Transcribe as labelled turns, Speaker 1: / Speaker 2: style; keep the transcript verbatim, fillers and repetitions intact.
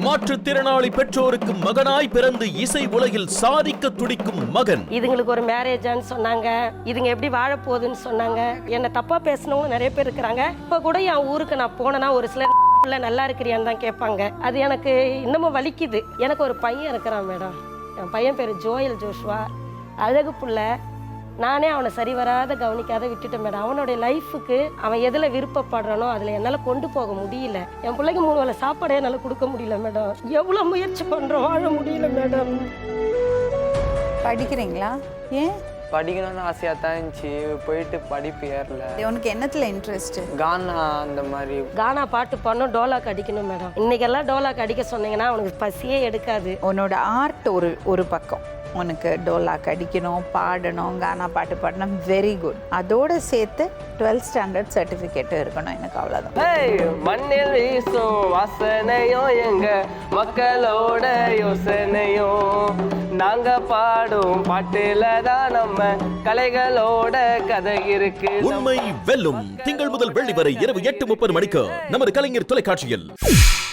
Speaker 1: மாற்றுத்திறனாளி பெற்றோருக்கு மகனாய் பிறந்து இசை உலகில் சாதிக்க துடிக்கும் மகன்.
Speaker 2: இதுங்களுக்கு ஒரு மேரேஜான்னு சொன்னாங்க, இதுங்க எப்படி வாழ போகுதுன்னு சொன்னாங்க. என்ன தப்பா பேசினவங்க நிறைய பேர் இருக்கிறாங்க. இப்ப கூட என் ஊருக்கு நான் போனேன்னா ஒரு சில பிள்ளை நல்லா இருக்கிறியான்னு தான் கேட்பாங்க. அது எனக்கு இன்னமும் வலிக்குது. எனக்கு ஒரு பையன் இருக்கிறான் மேடம். என் பையன் பேரு ஜோயல் ஜோஷ்வா. அழகு புள்ள. நானே அவனை சரி வராத கவனிக்காத விட்டுட்டேன் மேடம். அவனுடைய லைஃபுக்கு அவன் எதில் விருப்பப்படுறானோ அதில் என்னால் கொண்டு போக முடியல. என் பிள்ளைக்கு மூணு வேளை சாப்பாடே என்னால் கொடுக்க முடியல மேடம். எவ்வளோ முயற்சி பண்ணுறோம், வாழ முடியல மேடம்.
Speaker 3: படிக்கிறீங்களா? ஏன்
Speaker 4: படிக்கணும்னு ஆசையாக தான் இருந்துச்சு, போயிட்டு படிப்பு ஏறல.
Speaker 3: உனக்கு என்னத்தில் இன்ட்ரெஸ்ட்?
Speaker 4: கானா அந்த மாதிரி.
Speaker 2: கானா பாட்டு பாடணும், டோலாக் அடிக்கணும் மேடம். இன்னைக்கெல்லாம் டோலாக் அடிக்க சொன்னீங்கன்னா அவனுக்கு பசியே எடுக்காது.
Speaker 3: உன்னோட ஆர்ட் ஒரு ஒரு பக்கம், உனக்கு டோலாக் அடிக்கணும், பாடணும், கானா பாட்டு பாடணும், வெரி குட். அதோடு சேர்த்து டுவெல்த் ஸ்டாண்டர்ட் சர்டிஃபிகேட்டும் இருக்கணும். எனக்கு அவ்வளோதான்.
Speaker 4: மண்ணில் வீசும் வாசனையோ எங்க மக்களோட யோசனையோ, நாங்க பாடும் பாட்டுல தான் நம்ம கலைகளோட கதை இருக்கு.
Speaker 1: உண்மை வெல்லும். திங்கள் முதல் வெள்ளி வரை இரவு எட்டு முப்பது மணிக்கு நமது கலைஞர் தொலைக்காட்சியில்.